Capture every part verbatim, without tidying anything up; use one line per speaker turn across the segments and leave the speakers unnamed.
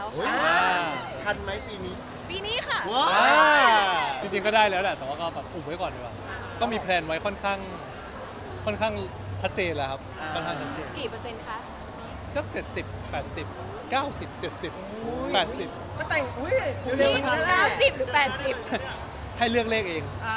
ค่ะ
ทันไหมปีนี้
ปีนี้ค่ะ
ว้า
จริงๆก็ได้แล้วแหละแต่ว่าก็แบบอุบไว้ก่อนดีกว่าก็มีแพลนไว้ค่อนข้างค่อนข้างชัดเจนแล้วครับค่อนข้างชัดเจน
กี่เปอร์เซ็นต์คะ
สักเจ็ดสิบแปดสิบเก้าสิบเจ็ดสิบแปดสิบ
ก็แต่งอุ้ยเร็วๆนั่นแหละ
เก้าสิบหรือแปดสิบ
ให้เลือกเลขเอง
อ่า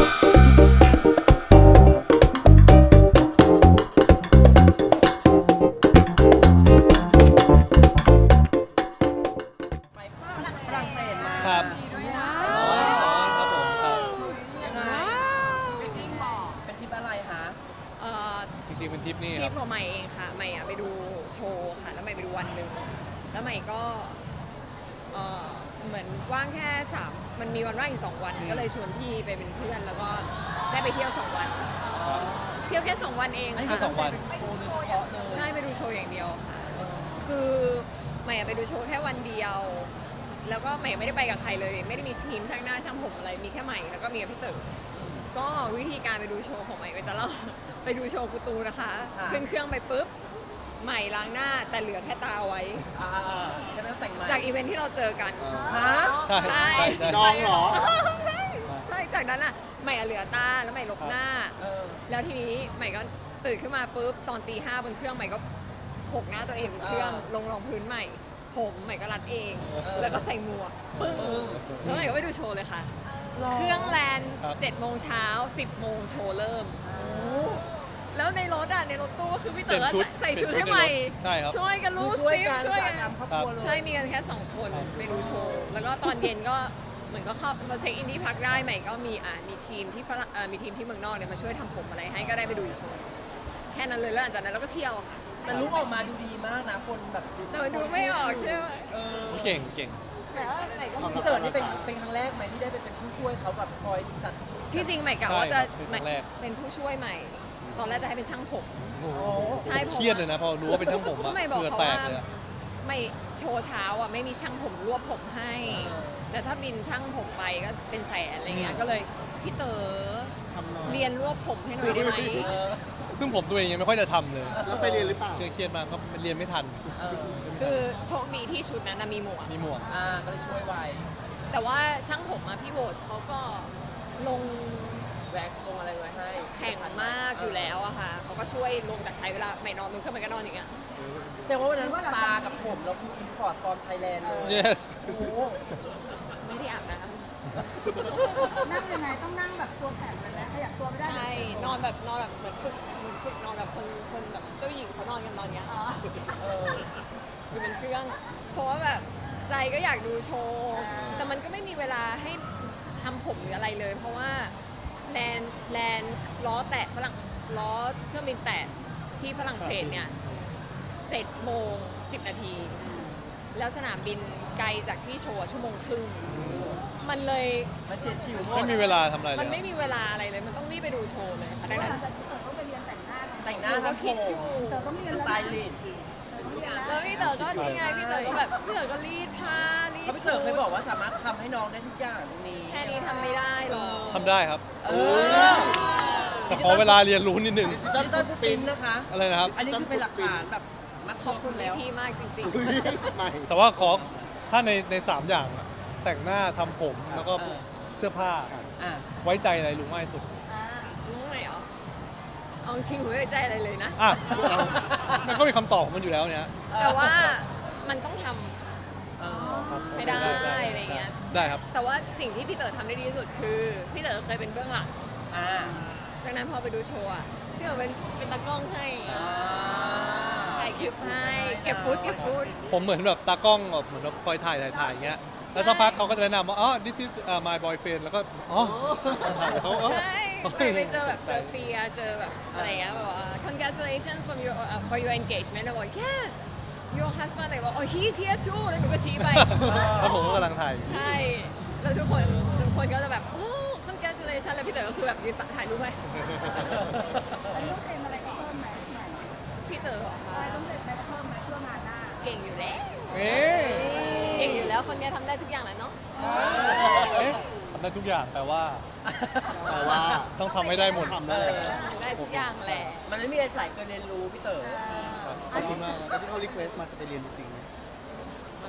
ไปฝรั่งเศสมา
ครับ
ว้า
อ๋อครับผมครับ
ยังไง
ว
เป็นทริปอะไรคะ
เอ่อ
จริงๆเป็นทริปนี่
ท
ค
ริ
รั
ป
บ
ของใหม่เองค่ะใหม่อะไปดูโชว์ค่ะแล้วใหม่ไปดูวันหนึ่งแล้วใหม่ก็เอ่อเหมือนว่างแค่สามมันมีวันว่างอีกสองวันก็เลยชวนพี่ไปเป็นเพื่อนแล้วก็ได้ไปเที่ยวสองวัน เที่ยวแค่สองวันเอง
อันนี้
ค่ะ
คือสองวันโชว์โดยเฉพาะเลย
ใช่ไปดูโชว์อย่างเดียวค่ะ คือใหม่อะไปดูโชว์แค่วันเดียว แล้วก็ใหม่ไม่ได้ไปกับใครเลย ไม่ได้มีทีมช่างหน้าช่างผมอะไรมีแค่ใหม่แล้วก็มีกับพี่เต๋อก็วิธีการไปดูโชว์ของใหม่ก็จะเล่า ไปดูโชว์กูตูนะคะขึ้นเครื่องไปปุ๊บใหม่ล้างหน้าแต่เหลือแค่ตาไว้
อ่าๆจะไม่ต้องแต่งใหม่
จากอีเวนท์ที่เราเจอกัน
ฮะ
ใช่ใช่ใช่
ดองเหรอ
ใช่ใช่จากนั้นอ่ะใหม่อะเหลือตาแล้วใหม่ลบหน้า
เออ
แล้วทีนี้ใหม่ก็ตื่นขึ้นมาปุ๊บตอนตีห้าบนเครื่องใหม่ก็โขกหน้าตัวเองบนเครื่อง
อ่า
ลงรองพื้นใหม่ ผมใหม่ก็รัดเอง
เออ
แล้วก็ใส่หมวกปึ้ง
ปึ้ง
แล้วใหม่ก็ไปดูโชว์เลยค่ะ
หร
เครื่องแลน
ครับ
เจ็ดโมงเช้าสิบโมงโชว์เริ่มแล้วในรถอ่ะในรถตู้ก็คือพี่
เปลี่
เต๋
ยน
อ
ชุด
ใส่ชุด
เปลี่
ให้
ยนชุด
ใหม่
ในรถใช่ครับ
ช่วยกัน
คื
รู้
อช่วย
ซิ
กัน
ช่วย
ช่วย
กั
กัน นครอบครัวเลย
ใช่มีกันแค่สองคนไปดูโชว์แล้วก็ตอนเย็นก็เหมือนก็เข้าเราเช็คอินที่พักได้ใหม่ก็มีอ่ามีทีมที่ฝรั่งเอ่อมีทีมที่เมืองนอกเนี่ยมาช่วยทำผมอะไรให้ก็ได้ไปดูโชว์แค่นั้นเลยแล้วหลังจากนั้นเราก็เที่ยวค่ะ
แต่ลุกออกมาดูดีมากนะคนแบบ
แต่มันดูไม่ออกใช่ไหม
เออ
เก่งเก่ง
แต่ว่าใหม่ก็
พี่เกิดนี่เป็นเป็นครั้งแรกไหมที่ได้ไปเป็นผู้ช่วยเขาแบบคอยจัดชุด
ที่จริงใหม่กะ
ใช่
ว่าจะ
ครับเป็นครั้งแรก
เป็นผู้ช่วยใหม่ ตอนแรกจะให้เป็นช่างผม
โอ้โห
ใช่เพราะ
เครียดเลยนะพอรู้ว่าเป็นช่างผม
ก็
อะ
ไม่บอก
เพื่อ
เขา
แต
ว่าก
เลยอะ
ไม่โชว์เช้าอ่ะไม่มีช่างผมรวบผมให้ แต่ถ้าบินช่างผมไปก็เป็นแสนอะไรเงี้ยก็เลยพี่เต๋อ
ทำหน่อย
เรียนรวบผมให้หน่อยได้ไหม
เออ
ซึ่งผมตัวเองยังไม่ค่อยจะทำเลย
แล้วไปเรียนหรือเปล่า
เครียดๆมากก็เรียนไม่ทัน
เออ
คือโชคดีที่ชุดนั้นนะมีหมวก
มีหมวก
อ่าก็เลยช่วยไว
แต่ว่าช่างผมอะพี่โบดเขาก็ลง
แว็กลงอะไรไว้ให้
แข่งมากอยู่แล้วอะค่ะเขาก็ช่วยลงจากไทยเวลาไม่นอนมึงขึ้นไปก็นอนอย่างเงี้ย
แสดงว่าวันนั้นตากับผมเราคืออินพอร์ตฟอร์มไทยแลนด์เลย
yes
โอ้โห
ไม่ได้อาบน้
นั่งยังไงต้องนั่งแบบตัวแข็งเลยนะขยับตัวไม่
ำ
ได้
ใช่นอนแบบนอนแบบเหมือนฝึกฝึกนอนแบบคนคนแบบเจ้าหญิงเขานอนกันนอนอย่างเงี้ย
อ๋อ
เออ
อยู่บนเครื่อง เพราะว่าแบบใจก็อยากดูโชว์
อ่า
แต่มันก็ไม่มีเวลาให้ทำผมหรืออะไรเลย เพราะว่าแลนแลนล้อแตะฝรั่งล้อเครื่องบินแตะที่ฝรั่งเศสเนี่ยเจ็ดโมงสิบนาที แล้วสนามบินไกลจากที่โชว์อะชั่วโมงครึ่ง มันเลย
มันเฉียดฉิวหมด
ไม่มีเวลาทำอะไรเล
มัน
ย
ไม่มีเวลาอะไรเลย มันต้องรีบไปดูโชว์เลยค่ะ
เพ
ดัง
ราะว่า
นั้น
หลังจากที่เต๋อต้องไปเรียนแต่งหน้าไง
แต่งหน้าทำผม
เต๋อต้องเรียน
ส
แล้ว
ไต
นะ
ลิสต์
เต๋อต้องเรียนแล้ว
แล้วพี่เต๋อก็นี่ไงพี่เต๋อก็แบบพี่เต๋อก็รีดผ้ารีด
เพราะพี่เต๋อเคยบอกว่าสามารถทำให้น้องได้ทุกอย่างตรงนี้
แค่นี้ทำไม่ได้หรอก
ทำได้ครับ
เออ
แต่ขอเวลาเรียนรู้นิดนึง
ดิจิ
ดิ
ตอล
จิตอล
ฟุ
ฟุ
ต
ต
ปริ
ปริ
น
น
ท์
ท์นะคะ
อะไรนะครับ
อันนี้คือเป็นหลักฐานแบบมัด
ข
ตั
อ
ว
บคุ
คุณ ณ
พี่
แล้ว
พี่มากจริง
อุ้ยใหม่
แต่ว่าขอถ้าในในสามอย่างอะแต่งหน้าทำผมแล้วก็
เออ
เสื้อผ้า
อ่ะ
ไว้ใจอะไรลุงมากที่สุด
อ่า
ๆรู้ไหมเหรอเอาจริงๆผมไม่ได้ใจอะไรเลยนะ
อ่ะมันก็มีคำตอบของมันอยู่แล้วเนี่ย
แต่ว่ามันต้องทำ
เออ
ไม่ได้อะไรเงี้ย
ได้ครับ
แต่ว่าสิ่งที่พี่เต๋อทำได้ดีที่สุดคือพี่เต๋อเคยเป็นเบื้องหลัง
อ่า
ดังนั้นพอไปดูโชว์อะพี่เต๋อเป็นเป็นตากล้องให้
อ่า
ถ่ายคลิปให้เก็บฟุตเก็บฟุต
ผมเหมือนแบบตากล้องแบบเหมือนแบบคอยถ่ายถ่ายถ่ายอย่างเงี้ย แล้วสักพักเขาก็จะแนะนำว่า อ๋อ this is uh, my boyfriend แล้วก็ อ๋อถ่ายเขาเออ
ใช่ไปไปเจอแบบเจอเปียเจอแบบอะไรเงี้ยแบบว่า congratulations from your uh, for your engagement แล้วบอก yes your husband เลยบอก oh he's here too แล้วหนูก็ชี้ไป
แล้วผมก็กำลังถ่ายอยู่
ใช่ แล้วทุกคนทุกคนก็จะแบบ โอ้ congratulations แล้วพี่เต๋อก็คือแบบยืนถ่ายรูปให้
อันนี้ต้องเตรียมอะไรก็เพิ่มไหมใหม่
พี่เต๋อเหรอ
อะไร
คะ
ต้องเตรียมอะไรก็เพิ่มไหมเพื่องานหน้า
เก่งอยู่แล้ว
เอ๊ะ
เก่งอยู่แล้วคนเนี้ยทำได้ทุกอย่างแหละเนาะ
เอ๊ะทำได้ทุกอย่างแปลว่า
แต่ว่า
ต้องทำให้ได้หมด
ทำได้เลย
ทำได้ทุกอย่างแหละ
มันไม่มีอะไรสายเกินเรียนรู้พี่เต๋อ
ขอบคุณมาก
แล้วที่เขารีเควสต์มาจะไปเรียนจริงๆไหม
มันก็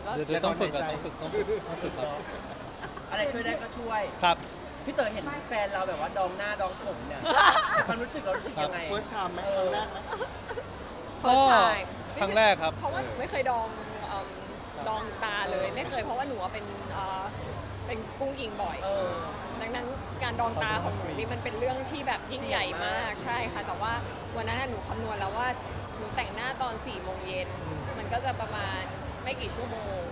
เดี๋ยวเดี๋ยวต้องฝึกอะต้องฝึกต้องฝึกต้องฝึกครับ
อะไรช่วยได้ก็ช่วย
ครับ
พี่เต๋อเห็นแฟนเราแบบว่าดองหน้าดองผมเนี่ยความรู้สึกเรารู้สึกยังไง
เฟิร์สไทม์ไหมครั้งแรกไหม
ก็
First time
ครั้งแรกครับ
เพราะว่าหนูไม่เคยดองเอิ่มดองตาเลยไม่เคยเพราะว่าหนูอะเป็นเอ่อเป็นกุ้งยิงบ่อย
เออ
ดังนั้นการดองตาของหนูนี่มันเป็นเรื่องที่แบบยิ่งใหญ่มากใช่ค่ะแต่ว่าวันนั้นน่ะหนูคำนวณแล้วว่าหนูแต่งหน้าตอนสี่โมงเย็นมันก็จะประมาณไม่กี่ชั่วโมง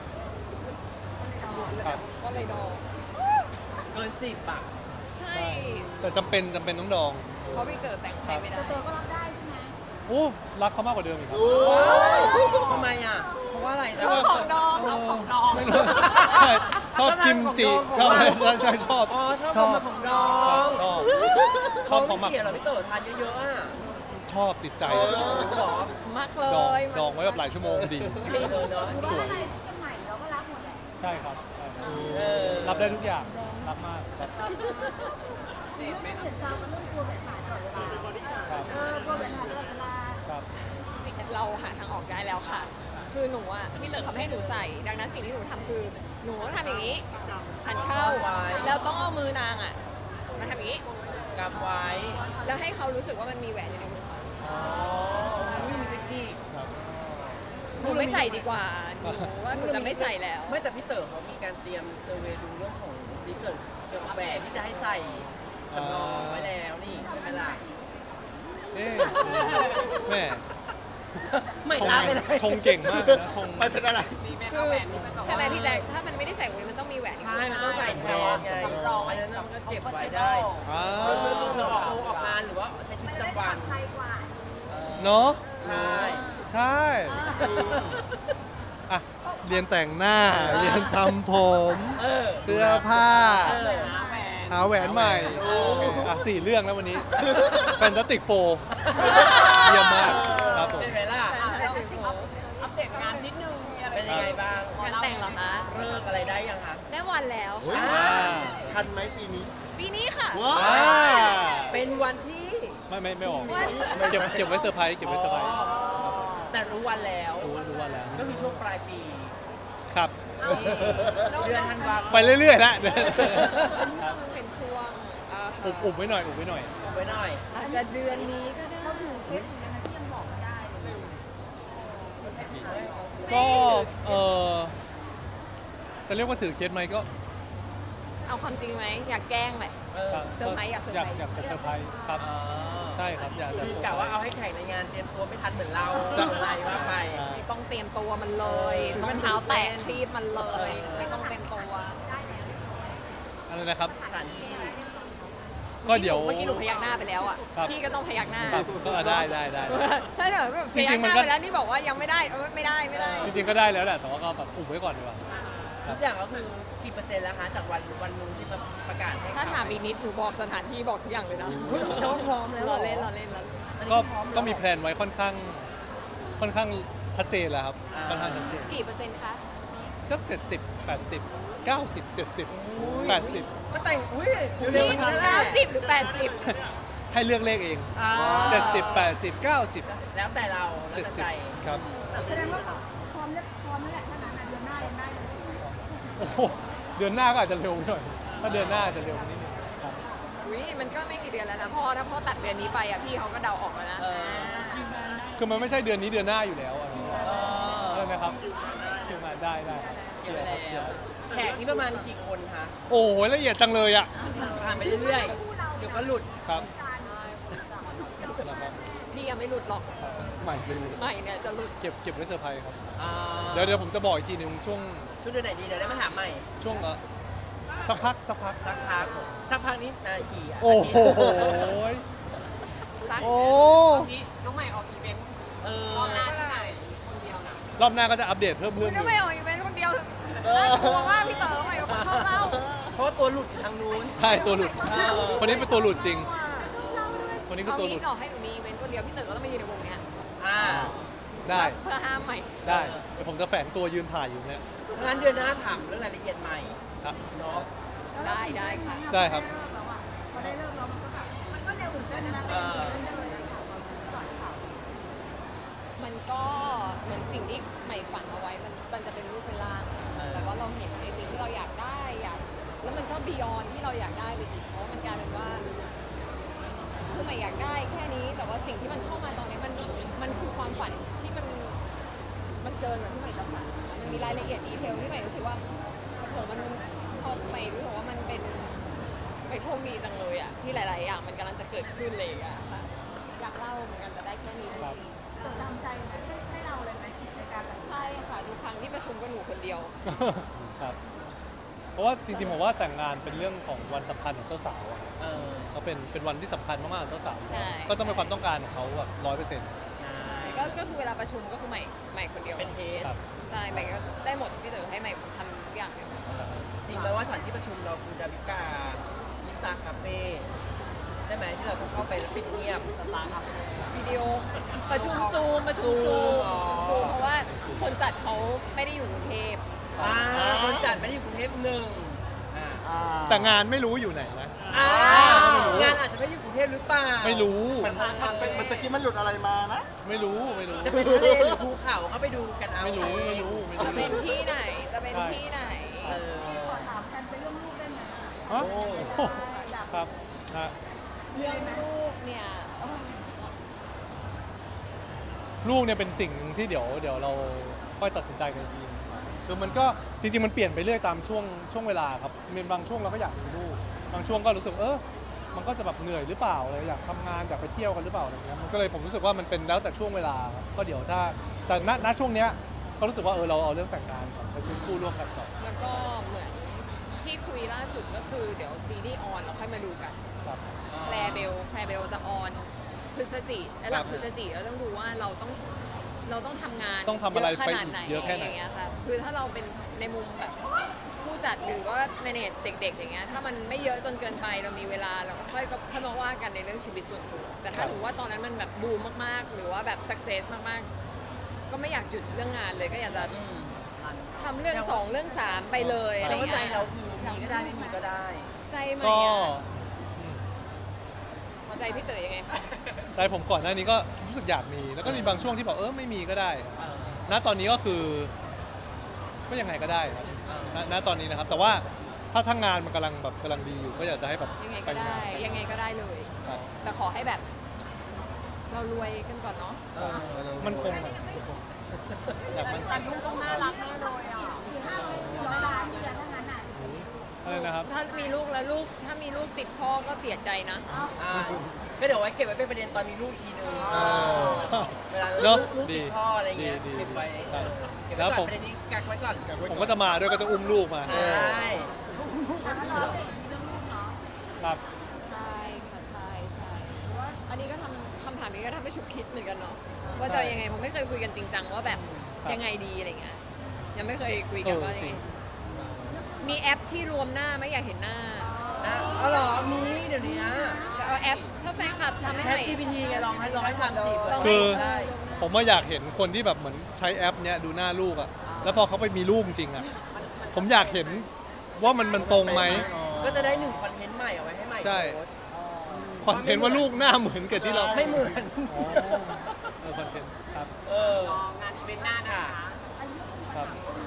ครับ
ก็เลยดอง
เกินสิบอ่ะ
ใช่
แต่จำเป็นจำเป็นต้องดอง
เพราะพี่เต๋อแต่งให้ไม่ได้
เตอก็รับได้ใช่ไหม
โอ้รักเขามากกว่าเดิมอีกครับ
โอ้
ทำไมอ่ะ เพราะว่าอะไร
ชอบของดองชอบของดอง
ไม่รู้ใช่ชอบกิมจิชอบใช่ใช่ชอบ
อ๋อชอบความมาของดอง
ชอบช
ท้
อ
อบ ง
เขา
ไม่
มาก
เสียเหรอพี่เต๋อทานเยอะๆอ่ะ
ชอบติดใจ
เออ
หรอ
มักเล
ดอง
ย
ดองไว้แบบหลายชั่วโมงดี
ดีเลยเนาะ
หรือว่าอะไรที่เป็นใหม่เราก็รับหมดแหละ
ใช่ครับใช่ครับ
เออ
รับได้ทุกอย่างรับมากครับ
เรื่องไม่เห็นซาวมันเรื่องกลัวแบบหายตลอดเวลา
ครับ
เออกลัวแบบหายตลอดเวลา
ครับ
เราหาทางออกได้แล้วค่ะ คือหนูอ่ะพี่เต๋อทำให้หนูใส่ ดังนั้นสิ่งที่หนูทำคือหนูต้องทำอย่างนี้หันเข้าแล้วต้องเอามือนางอ่ะมาทำอย่างนี้
กำไว้
แล้วให้เขารู้สึกว่ามันมีแหวนอยู่ในมือเขา
อ๋อไม่มีเทคนิค
ครับ
หนูไม่ใส่ดีกว่าหนูว่าหนูจะไม่ใส่แล้ว
ไม่แต่พี่เต๋อเขามีการเตรียมเซอร์เวย์ดูเรื่องของรีเสิร์ชเกี่ยวกับแหวนที่จะให้ใส่สำรองไว้แล้วนี่ใช่ไหมล่ะ
เอ๊ะแม่
ไม่
ชง
ตามไปเลย
ชงเก่งมากนะชง
ไม่เป็นอะไร
คือใช่ไหมพี่แจ๊คถ้ามันไม่ได้ใส่แหวนมันต้องมีแหวน
ใช่ มันต้องใส่แทนไงอันนั้นมันก็เก็บไว้ได้
อ่า
เพื่อออกงออกงานหรือว่าใช้ชีวิตประจำวัน
ไทยกว่า
เนาะ
ใช่
ใช่อ่ะเรียนแต่งหน้า เรียนทำผม
เออ
เสื้อผ้า
เออ
หาแหวนใหม่อ่ะสี่เรื่องแล้ววันนี้แฟนตาติกโฟเยี่ยมมากครับผม
เป็นไงล่ะ
อัปเดตงานนิดนึงมีอะไร
เป็นยังไงบ้าง
งานแต่งเหรอคะ
เลิกอะไรได้ยังคะ
ได้วันแล้ว
เฮ้ย
ค่ะ
อ่า
ทันไหมปีนี้
ปีนี้ค่ะ
ว้า
อ่า
เป็นวันที่
ไม่ไม่ไม่ออก
วัน
เก็บเก็บไว้เซอร์ไพรส์เก็บไว้เซอร์ไพรส์
อ๋อแต่รู้วันแล้ว
รู้รู้ว่าแล้ว
ก็คือช่วงปลายปี
ครับ
นี่เดือนธันวาคม
ไปเรื่อยๆนะ
เป็นช่วงเอ่อ
อุบอุบไว้หน่อยอุบไว้หน่อย
อุบไว้หน่อย
อาจจะเดือนนี้ก็ได้
เราถือเคสเหมือนกันนะที่ยังบอกไม่ได้เลย
ก็เออจะเรียกว่าถือเคสไหมก็
เอาความจริงไหมอยากแกล้งแหละ
เออ
เซอร์ไพรส์อยากเซอร์ไพรส์
อยากจะเซอร์ไพรส์ครับ
อ๋อ
ใช่ครับอยากจะ
คือ
เซอร์ไพรส์
กะว่าเอาให้แข่งในงานเตรียมตัวไม่ทันเหมือนเรา
จะ
อะไรว่าไป
ใช่
ไม่ต้องเตรียมตัวมันเลยรองเท้าแตะครีบมันเลย ไม่ต้องเตรียมตัว
อะไรนะครับ
สถานที่
ก็เดี๋ยว
เมื่อกี้หนูพยักหน้าไปแล้วอ่ะ
ครับ
พี่ก็ต้องพยักหน้า
ครับก็ได้ได้ได้
ถ้าเกิดแบบ
จ
พ
ริ
ยัก
งๆ
ห
มัน
น้า
ก็
ไปแล้วนี่บอกว่ายังไม่ได้เออไม่ได้ไม่ได้
จริงๆก็ได้แล้วแหละแต่ว่าก็แบบอุบไว้ก่อนดีกว่า
ทุกอย่างก็คือกี่เปอร์เซ็นต์แล้วคะจากวันวันนู้นที่มาประกาศให้
ถ้าถามอีกนิดหนูบอกสถานที่บอกทุกอย่างเลยนะ
จะว่าพร้อมแล้วห
ร
ร
อเล่นรอเล่นรอเล่น
อันนี้
ก็
พร้อแล้ว
ก็มีแพลนไว้ค่อนข้าง ค่อนข้างชัดเจนแล้วครับ
อ่า
ค่อนข้างชัดเจน
กี่เปอร์เซ็นต์คะ
สักเจ็ดสิบแปดสิบเก้าสิบเจ็ดสิบแปดสิบ
ก็แต่งอุ้ยเร็วๆนี้แหละ
เก้าสิบหรือแปดสิบ
ให้เลือกเลขเอง
อ่า
เจ็ดสิบแปดสิบเก้าสิบ
แล้วแต่เราแล้ว
เจ็ด
แต่
สิ
ใจ
บครับ
แสดงว่าพร้อมแล้วพร้อมแล้วแหละถ้านั้นนะเดือนหน้ายังได้เลยถูกไหม
โอ้โหเดือนหน้าก็อาจจะเร็วหน่อยถ้าเดือนหน้าอาจจะเร็วนิดนึงครับ
อุ้ยมันก็ไม่กี่เดือนแล้วนะพ่อถ้าพ่อตัดเดือนนี้ไปอ่ะพี่เขาก็เดาออกแล้วนะ
เออ
คือมันไม่ใช่เดือนนี้เดือนหน้าอยู่แล้วอะ
เอ
เอ
อ
อนะครับคือมาได้ได้ครับ
เกี่ยว
ค
แล้
รับเกี่ยว
วแขกนี่ประมาณกี่คนคะ
โอ้โหละเอียดจังเลยอ่ะ
ผ่านไปเรื่อยๆ เดี๋ยวก็หลุด
ครับนะครับ
พี่ยังไม่หลุดหรอก
ใหม่จริง
ใหม่เนี่ยจะหลุด
เก็บเก็บไว้เซอร์ไพรส์ครับ
อ่า
เดี๋ยวเดี๋ยวผมจะบอกอีกทีหนึงช่วง
ชุดเดือนไหนดีเดี๋ยวได้มาถามใหม่
ช่วงเออสักพักสักพัก
สักพักสักพักนี้นานกี่ะ
โอ้โห
สัก
โอ้
นี้น้องใหม่ออกอีเวนต์
เออ
รอบหน้าที่ไหนคนเดียวนะ
รอบหน้าก็จะอัปเดตเพิ่ม
คุ
เรื่อ
ณ
งห
น้
นึ
อง
ง
ใหม่ออกอีเวนต์คนเดียวน่ากลัวมากพี่เต๋อใหม่เขาชอบเล่า
เพราะว่าตัวหลุดอยู่ทางนู้น
ใช่ตัวหลุด
เออ
คนนี้เป็นตัวหลุดจริง คนนี้คือ
เอา
ตัวหลุ
งี้
ด
ต่อให้หนูมีอีเวนต์คนเดียวพี่เต๋อก็ต้องมายืนในวงเนี้ย
อ่า
ได้
เพื่อห้ามใหม่
ได้เดี๋ยวผมจะแฝงตัวยืนถ่ายอยู่เนี่ย
งั้นเดือนหน้าถามเรื่องรายละเอียดใหม่
ครับ
เนาะ
ได้ได้ค่ะ
ได้ครับ
พอได้เริ่มแล้วมันก็แบบมันก็เร็วเหมือนกันนะ
เออ
มันก็เหมือนสิ่งที่ใหม่ฝันเอาไว้มันมันจะเป็นรูปเป็นบียอนที่เราอยากได้ไปอีกเพราะว่ามันกลายเป็นว่าคือใหม่อยากได้แค่นี้แต่ว่าสิ่งที่มันเข้ามาตอนนี้มันมันคือความฝันที่มันมันเกินกว่าที่ใหม่จะฝันมันมีรายละเอียดดีเทลที่ใหม่รู้สึกว่าโอ้โหมันพอใหม่รู้สึกว่ามันเป็นไปโชคดีจังเลยอะที่หลาย ๆ อย่างมันกำลังจะเกิดขึ้นเลยอะค่ะอยากเล่าเหมือนกันแต่ได้แค่นี้จริง
จดจำใจไหมให้ให้เราเลยไหมในการตัดสิน
ๆใช่ค่ะทุกครั้งที่ประชุมก็หนูคนเดียว
ครับ เพราะว่าจริงๆผมว่าแต่งงานเป็นเรื่องของวันสำคัญของเจ้าสาวอะ
เออ
ก็เป็นเป็นวันที่สำคัญมากๆของเจ้าสาว
ใช่
ก็ต้องเป็นความต้องการของเขาแบบร้อยเปอร์เซ็นต์
ก็ก็คือเวลาประชุมก็คือใหม่ใหม่คนเดียว
เป็นเฮด
ครับ
ใช่ใหม่ก็ได้หมดพี่เต๋อให้ใหม่ทำทุกอย่างเลย
จริงไหมว่าสถานที่ประชุมเราคือดาวิกามิสตาคาเฟ่ใช่ไหมที่เราต้องเข้าไปแล้วปิดเงียบสตาร์คาเฟ่
วิดีโอประชุมซูมประชุม
ซู
ซู
ม
ม
อ๋อ
ซูมเพราะว่าคนจัดเขาไม่ได้อยู่กรุงเทพ
อ่าคนจัดไม่ได้อยู่กรุงเทพหนึ่งอ่า
อ่า
แต่งานไม่รู้อยู่ไหนนะ
อ่า
ไม่รู้
งานอาจจะไม่ได้อยู่กรุงเทพหรือเปล่า
ไม่รู้
มันมันมันตะกี้มันหลุดอะไรมานะ
ไม่รู้ไม่รู้
จะเป็นทะเลหรือภูเขาก็ไปดูกันเอา
ไม่รู้
เอง
ไม่รู้ไม่
จะ
รู้
เป็นที่ไหนจะเป็น
ใช่
ที่ไหน
เออ
ขอถามกันเป็นเรื่องลูกได้ไหม
ฮะ
โอ้
อยาก
ครับฮะ
เรื่องลูกเนี่ยเอ้ย
ลูกเนี่ยเป็นสิ่งหนึ่งที่เดี๋ยวเดี๋ยวเราค่อยตัดสินใจกันอีกทีคือมันก็จริงๆมันเปลี่ยนไปเรื่อยตามช่วงช่วงเวลาครับมีบางช่วงเราก็อยากมีลูกบางช่วงก็รู้สึกเออมันก็จะแบบเหนื่อยหรือเปล่าอะไรอยากทำงานอยากไปเที่ยวกันหรือเปล่าอะไรเงี้ยมันก็เลยผมรู้สึกว่ามันเป็นแล้วแต่ช่วงเวลาครับก็เดี๋ยวถ้าแต่ณณช่วงเนี้ยก็รู้สึกว่าเออเราเอาเรื่องแต่งงานก่อนใช้ชีวิตคู่ร่วมกันก่อน
แล้วก็เหมือนที่คุยล่าสุดก็คือเดี๋ยวซีรีส์ออนเราค่อยมาดูกัน
ครับ
แคลร์เบลแคลร์เบลจะออนพฤศจิและหลัง
ครับ
พฤศจิเราต้องดูว่าเราต้องเราต้องทำงาน
ต้องทำอะไร
เยขนาดไหน
ไปอีกเยอะแค่ไหน
อย่างเงี้ยค่ะคือถ้าเราเป็นในมุมแบบผู้จัดหรือว่า manage เด็ก ๆ อย่างเงี้ยถ้ามันไม่เยอะจนเกินไปเรามีเวลาเราก็ค่อยก็ค่อยมาว่ากันในเรื่องชีวิตส่วนตัวแต่ถ้าถือว่าตอนนั้นมันแบบบูมมากๆ หรือว่าแบบ success มากๆ ก็ไม่อยากหยุดเรื่องงานเลยก็อยากจะ
อืม
ทำเรื่องสองเรื่องสามไปเลยอะไร
แต่ว่าใจ
เงี้ย
เราคือมีก็ได้ไม่มีก็ได้
ใจไหม
ก็
อะ
อืม
ใจพี่เต๋อยังไงคะ
ใจผมก่อนหน้านี้ก็รู้สึกอยากมีแล้วก็มีบางช่วงที่บอกเออไม่มีก็ได้
เออ
ณตอนนี้ก็คือก็ยังไงก็ได้ครับณณตอนนี้นะครับ แต่ว่าถ้าทั้งงานมันกำลังแบบกำลังดีอยู่ก็อยากจะให้แบบ
ยังไงก็ได้
แต่งงาน
ยังไงก็ได้เลย
ครับ
แต่ขอให้แบบ เรารวยกันก่อนเนาะ
เออ
มันคงแบบอยากมัน
แต่ลูกต้องน่ารักแน่เลยอ่ะคือห้าร้อยร้อยล้านเดียวเท่านั้นอ่ะ
อะไรนะครับ
ถ้ามีลูกแล้วลูกถ้ามีลูกติดพ่อก็เสียใจนะ
อ่าก็เดี๋ยวไว้เก็บไว้เป็นประเด็นตอนมีลูกอีกทีนึง
เออ
เวลา
เนอะ
ลูกติดพ่ออะไรเงี้ย
ดีดี
เก็บไว้
ครับ
เก็บ
แล้
ไว้
ว
ก่
ผ
อน
ม
ประเด็นนี้กักไว้ก่อน
กักไว้
ผมก็จะมาด้วยก็จะอุ้มลูกมา
ใช่
แต่ว่าเราเป็นเรื่องลูกเนาะ
ครับ
ใช่ค่ะใช่ใช่อันนี้ก็ทำคำถามนี้ก็ทำให้ฉุกคิดเหมือนกันเนาะว่าจะยังไงผมไม่เคยคุยกันจริงจังว่าแบบ
ครับ
ยังไงดีอะไรเงี้ยยังไม่เคยคุย
เอ
กัน
อ
ว่า
จ
ยัง
ริ
ไง
ง
มีแอปที่รวมหน้าไม่อยากเห็นหน้า
นะอ๋อเหรอมีเดี๋ยวนี้นะ
จะเอาแอปถ้าแฟนคลับทำให้
แช
ให
ท
ม่
จี พี ที ไงลองให้ลองให้ทำสิ
ลองให้
คือ
ได้
ผมว่าอยากเห็นคนที่แบบเหมือนใช้แอปเนี้ยดูหน้าลูกอะแล้วพอเขาไปมีลูกจริงอะผมอยากเห็นว่ามันมันตรงไหม
ก็จะได้หนึ่งคอนเทนต์ใหม่เอาไว้ให้ใหม่
ใช่
โพสต์
คอนเทนต์ว่าลูกหน้าเหมือนกับที่เรา
ไม่เหมือน
อ๋อเออคอนเทนต์ครับ
เออ
งานเป็นหน้านะคะ
ครับ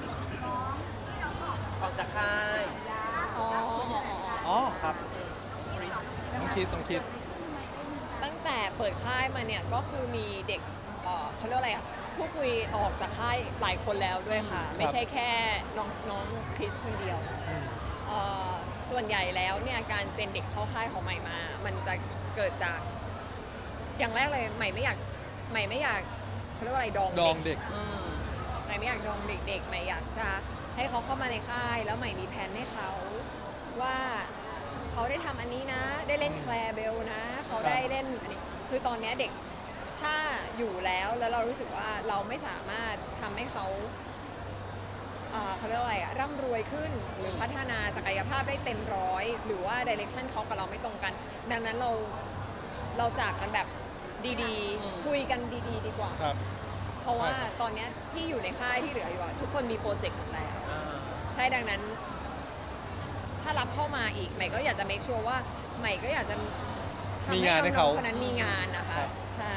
ออกจากค่าย
อ๋อ
อ๋อครับต้องคิดต้องคิด
ตั้งแต่เปิดค่ายมาเนี่ยก็คือมีเด็กเอ่อเขาเรียกว่าอะไรอ่ะผู้คุยออกจากค่ายหลายคนแล้วด้วยค่ะ ไม่ใช่แค่น้องน้องคริสคนเดียว
อืม
เอ่อส่วนใหญ่แล้วเนี่ยการเซ็นเด็กเข้าค่ายของใหม่มา มันจะเกิดจากอย่างแรกเลยใหม่ไม่อยากใหม่ไม่อยากเขาเรียกว่าอะไรดอง
ดองเด็ก
อืมใหม่ไม่อยากดองเด็กๆใหม่อยากจะให้เขาเข้ามาในค่ายแล้วใหม่มีแผนให้เขาว่าเขาได้ทำอันนี้นะ ได้เล่นแคลร์เบลนะ เขาได้เล่นอันนี้คือตอนเนี้ยเด็กถ้าอยู่แล้วแล้วเรารู้สึกว่าเราไม่สามารถทำให้เขาเอ่อเขาเรียกว่าอะไรอะร่ำรวยขึ้นหรือพัฒนาศักยภาพได้เต็มร้อย หรือว่าดิเรกชันเขากับเราไม่ตรงกัน ดังนั้นเราเราจากกันแบบดี
อืม
ๆ คุยกันดีๆ ดีกว่า
ครับ
เพราะว่า
ใช่ครับ
ตอนเนี้ยที่อยู่ในค่ายที่เหลืออยู่อะทุกคนมีโปรเจกต์หมดแล้ว
อ่า
ใช่ดังนั้น ถ้ารับเข้ามาอีกใหม่ก็อยากจะ make sure ว่าใหม่ก็อยากจะทำ
มีงานให้เขา
คนนั้นมีงานนะคะ
ครับ
ใช่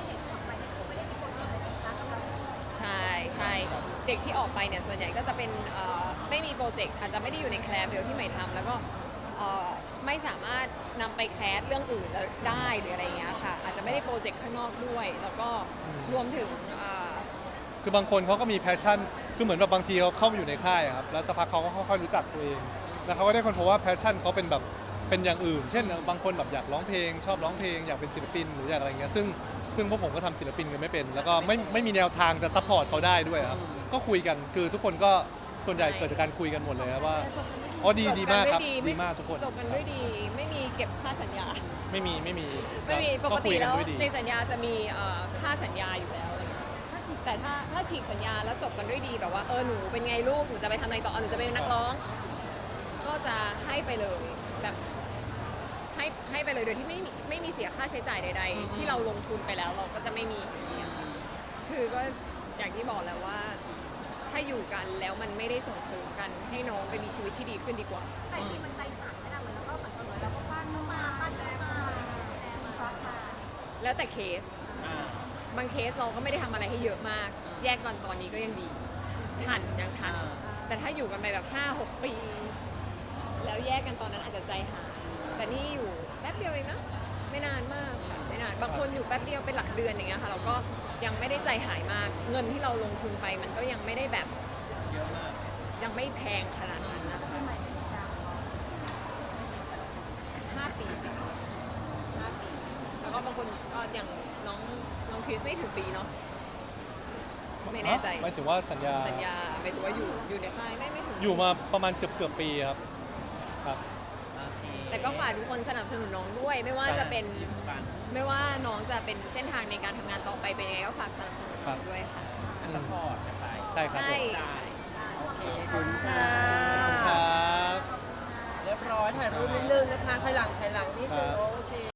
ใช่ใช่เด็กที่ออกไปเนี่ยส่วนใหญ่ก็จะเป็นเอ่อไม่มีโปรเจกต์อาจจะไม่ได้อยู่ในแคลร์เบลที่ใหม่ทำแล้วก็เอ่อไม่สามารถนำไปแคสเรื่องอื่นแล้วได้หรืออะไรอย่างเงี้ยค่ะอาจจะไม่ได้โปรเจกต์ข้างนอกด้วย แล้วก็รวมถึงอ่า
คือบางคนเขาก็มีแพชชั่นคือเหมือนแบบบางทีเขาเข้ามาอยู่ในค่ายอะครับแล้วสักพักเขาก็ค่อยๆรู้จักตัวเองแล้วเขาก็ได้คนพบว่าแพชชั่นเขาเป็นแบบเป็นอย่างอื่น เช่นบางคนแบบอยากร้องเพลง ชอบร้องเพลงอยากเป็นศิลปินหรืออยากอะไรเงี้ยซึ่งซึ่งพวกผมก็ทำศิลปินกันไม่เป็น แล้วก็ไม่ไม่มีแนวทางจะซัพพอร์ตเขาได้ด้วยครับก็คุยกันคือทุกคนก็ส่วนใหญ่เกิดจากการคุยกันหมดเลยครับว่าอ๋อดีดีมากครับดีมากทุกคน
จบกันด้วยดีไม่มีเก็บค่าสัญญา
ไม่มีไม่มี
ไม่มีปก
คุ
ติ
ยกัน
แล้ว
ด้วยดี
ในสัญญาจะมีเอ่อค่าสัญญาอยู่แล้วอะไรเงี้ยแต่ถ้าถ้าฉีกสัญญาแล้วจบกันด้วยดีแบบว่าเออหนูเป็นไงลูกหนูจะไปทำอะไรต่อหนูจะเป็นนักร้อง ก็จะให้ไปเลยแบบให้ให้ไปเลยโดยที่ไม่มีไม่มีเสียค่าใช้จ่ายใด ๆ ที่เราลงทุนไปแล้วเราก็จะไม่มีคือก็อย่างที่บอกแล้วว่า ถ้าอยู่กันแล้วมันไม่ได้ส่งเสริมกันให้น้องไปมีชีวิตที่ดีขึ้นดีกว่า
แต่ที่มันใจหายไม่ได้เหมือนแล้วก็เหมือนเหมือนเราก็ปั้นมาปั้นมาเพราะชา
แล้วแต่เคส
อ่า
บางเคสเราก็ไม่ได้ทำอะไรให้เยอะมาก แยกกันตอนนี้ก็ยังดี ทันยังทัน แต่ถ้าอยู่กันไปแบบห้าหกปี แล้วแยกกันตอนนั้นอาจจะใจหาย แต่นี่อยู่แป๊บเดียวเองนะ ไม่นานมากค่ะ ไม่นาน บางคนอยู่แป๊บเดียวเป็นหลักเดือนอย่างเงี้ยค่ะ เราก็ยังไม่ได้ใจหายมาก เงินที่เราลงทุนไปมันก็ยังไม่ได้แบบ
เยอะมาก
ยังไม่แพงขนาดนั้นนะคะห้าปีห้าปี แล้วก็บางคนก็อย่างน้องน้องคริสไม่ถึงปีเนาะ ไม่แน่ใจ
หมายถึงว่าสัญญา
สัญญาไม่รู้ว่าอยู่อยู่ในค่ายไม่ไม่ถึง
อยู่มาประมาณเกือบเกือบปีครับครับ
โอเค
แต่ก็ฝากทุกคนสนับสนุนน้องด้วย ไม่ว่าจะเป็น
กัน
ไม่ว่าน้องจะเป็นเส้นทางในการทำงานต่อไปเป็นยังไงก็ฝากสนับสนุนน้องด้วยค่ะ
สปอร์ตกันไป
ใช่ครับ
ใช่
ผม
ใช่
โอเค
ขอบคุณค่ะ
ครับ
เรียบร้อยถ่ายรูปนิดนึงนะคะ